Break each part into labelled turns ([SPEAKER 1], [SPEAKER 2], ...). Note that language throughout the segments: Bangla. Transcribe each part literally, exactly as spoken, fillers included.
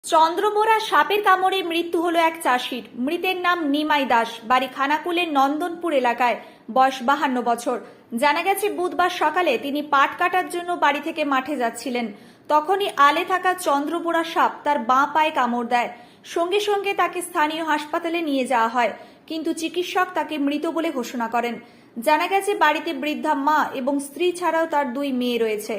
[SPEAKER 1] চন্দ্রবোরা সাপের কামড়ে মৃত্যু হলো এক চাষির। মৃতের নাম নিমাই দাস, বাড়ি খানাকুলের নন্দনপুর এলাকায়, বয়স বাহান্ন বছর। জানা গেছে বুধবার সকালে তিনি পাট কাটার জন্য বাড়ি থেকে মাঠে যাচ্ছিলেন। তখনই আলে থাকা চন্দ্রবোরা সাপ তার বাঁ পায়ে কামড় দেয়। সঙ্গে সঙ্গে তাকে স্থানীয় হাসপাতালে নিয়ে যাওয়া হয়, কিন্তু চিকিৎসক তাকে মৃত বলে ঘোষণা করেন। জানা গেছে বাড়িতে বৃদ্ধা মা এবং স্ত্রী ছাড়াও তার দুই মেয়ে রয়েছে।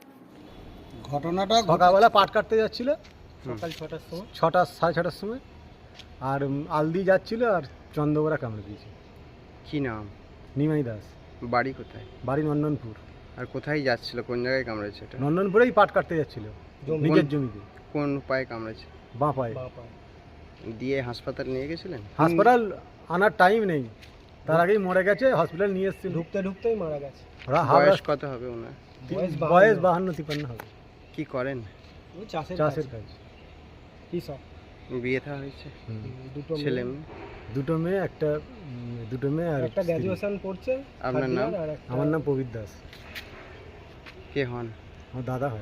[SPEAKER 2] ঘটনাটা সকালবেলা পাট কাটতে যাচ্ছিল
[SPEAKER 3] সকাল ছটার সময়
[SPEAKER 2] ছটা সাড়ে ছটার সময়, আর আলদি যাচ্ছিল আর চন্দ্রবোরা কামড়ে দিয়েছে।
[SPEAKER 4] কি নাম?
[SPEAKER 2] নিমাই দাস।
[SPEAKER 4] বাড়ি কোথায়?
[SPEAKER 2] বাড়ি নন্দনপুর।
[SPEAKER 4] আর কোথায় যাচ্ছিল? কোন জায়গায় কামড়েছে এটা?
[SPEAKER 2] নন্দনপুরেই পাট কাটতে যাচ্ছিল নিজের জমিতে।
[SPEAKER 4] কোন পায়ে কামড়েছে?
[SPEAKER 2] বাঁ পায়ে।
[SPEAKER 4] দিয়ে হাসপাতাল নিয়ে গেছিলেন?
[SPEAKER 2] হাসপাতাল আনার টাইম নেই, তার আগেই মরে গেছে। হসপিটাল নিয়ে এসেছিল,
[SPEAKER 3] ঢুকতে ঢুকতেই মারা গেছে।
[SPEAKER 4] বয়স কত হবে ওনার?
[SPEAKER 2] বয়স বাহান্ন তিপ্পান্ন হবে।
[SPEAKER 4] কি করেন?
[SPEAKER 3] ওই চাষের
[SPEAKER 2] চাষের কাজ।
[SPEAKER 3] কি সব
[SPEAKER 4] বিয়ে থা হয়েছে?
[SPEAKER 3] দুটো
[SPEAKER 4] ছেলে
[SPEAKER 3] মেয়ে,
[SPEAKER 4] মেয়ে?
[SPEAKER 2] দুটো মেয়ে, একটা দুটো মেয়ে আর
[SPEAKER 3] একটা
[SPEAKER 2] স্ত্রী।
[SPEAKER 3] গ্র্যাজুয়েশন পড়ছে।
[SPEAKER 4] আপনার
[SPEAKER 3] third
[SPEAKER 4] নাম?
[SPEAKER 3] year, আর একটা-
[SPEAKER 2] আমার নাম প্রবীর দাস।
[SPEAKER 4] কে হন?
[SPEAKER 2] আমার দাদা হয়।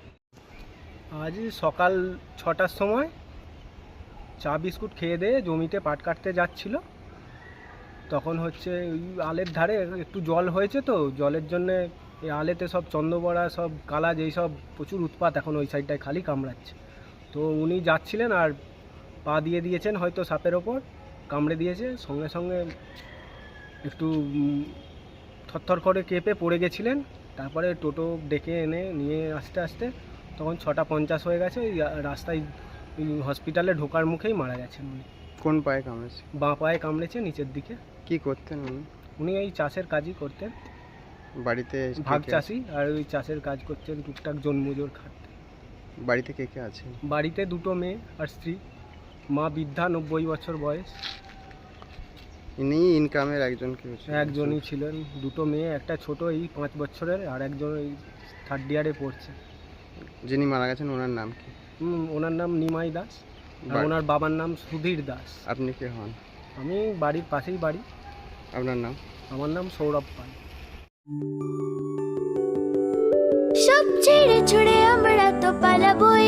[SPEAKER 3] আজ সকাল ছটার সময় চা বিস্কুট খেয়ে দিয়ে জমিতে পাট কাটতে যাচ্ছিল। তখন হচ্ছে ওই আলের ধারে একটু জল হয়েছে, তো জলের জন্যে এই আলেতে সব চন্দ্রবোরা সব কালা যেই সব প্রচুর উৎপাত এখন ওই সাইডটায় খালি কামড়াচ্ছে। তো উনি যাচ্ছিলেন আর পা দিয়ে দিয়েছেন হয়তো সাপের ওপর, কামড়ে দিয়েছে। সঙ্গে সঙ্গে একটু উম, থরথর করে কেঁপে পড়ে গেছিলেন। তারপরে টোটো ডেকে এনে নিয়ে আসতে আসতে তখন ছটা পঞ্চাশ হয়ে গেছে। ওই রাস্তায় ওই হসপিটালে ঢোকার মুখেই মারা গেছেন উনি।
[SPEAKER 4] কোন পায়ে কামড়েছে?
[SPEAKER 3] বাঁ পায়ে কামড়েছে নিচের দিকে।
[SPEAKER 4] কি করতেন উনি?
[SPEAKER 3] উনি এই চাষের কাজই করতেন,
[SPEAKER 4] বাড়িতে কে
[SPEAKER 3] ভাগ
[SPEAKER 4] কে আছে?
[SPEAKER 3] চাষি, আর ওই চাষের কাজ করতেন টুকটাক জন্মজোর খাটতেন।
[SPEAKER 4] বাড়িতে কে কে আছে?
[SPEAKER 3] বাড়িতে দুটো মেয়ে আর স্ত্রী। মা বৃদ্ধা, নব্বই বছর বয়স।
[SPEAKER 4] ইনি ইনকামের একজন কি হচ্ছে?
[SPEAKER 3] একজনই ছিলেন। দুটো মেয়ে, একটা ছোট এই পাঁচ বছরের, আর একজন এই থার্ড ইয়ারে পড়ছে।
[SPEAKER 4] যিনি মারা গেছেন ওনার নাম কি?
[SPEAKER 3] হুম, ওনার নাম নিমাই দাস, আর
[SPEAKER 4] বাড়ি-
[SPEAKER 3] ওনার বাবার নাম সুধীর দাস।
[SPEAKER 4] আপনি কে হন?
[SPEAKER 3] আমি বাড়ির পাশেই বাড়ি।
[SPEAKER 4] আপনার নাম?
[SPEAKER 3] আমার নাম সৌরভ পাল।
[SPEAKER 5] সব ছেড়ে ছুড়ে আমরা তো পালাবই,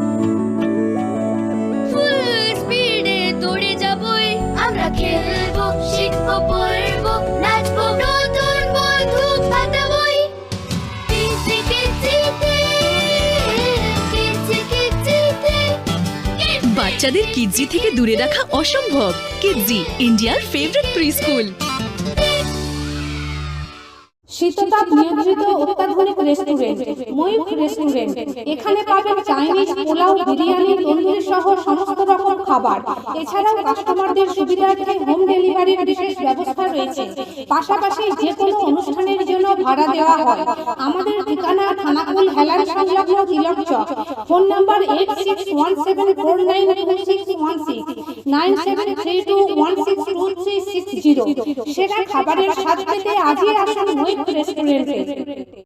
[SPEAKER 5] ফুল স্পিডে দৌড়ে যাবই। আমরা খেলবো, শিখবো, পড়বো, নাচবো, নতুন বন্ধু পাতাবই। কিচি কিচিতে, কিচি কিচিতে।
[SPEAKER 6] বাচ্চাদের কিডজি থেকে দূরে রাখা অসম্ভব। কিডজি, ইন্ডিয়ার ফেভারিট প্রি স্কুল।
[SPEAKER 7] শীততাপ নিয়ন্ত্রিত অত্যাধুনিক রেস্টুরেন্ট ময়ূখ রেস্টুরেন্ট। এখানে পাবেন চাইনিজ, পোলাও, বিরিয়ানি, তন্দুরি সহ সমস্ত রকম খাবার। এছাড়াও কাস্টমারদের সুবিধার্থে হোম ডেলিভারির বিশেষ ব্যবস্থা রয়েছে। পাশাপাশি যে কোনো অনুষ্ঠানের জন্য ভাড়া দেওয়া হয়। আমাদের ঠিকানা খানাকুল হেলান সংলগ্ন Tilak Chak. Phone number eight six one seven four nine two six one six, nine seven three two one six two three six zero. সেরা খাবারের স্বাদ পেতে আজই আসুন ময়ূখ রেস্টুরেন্টে।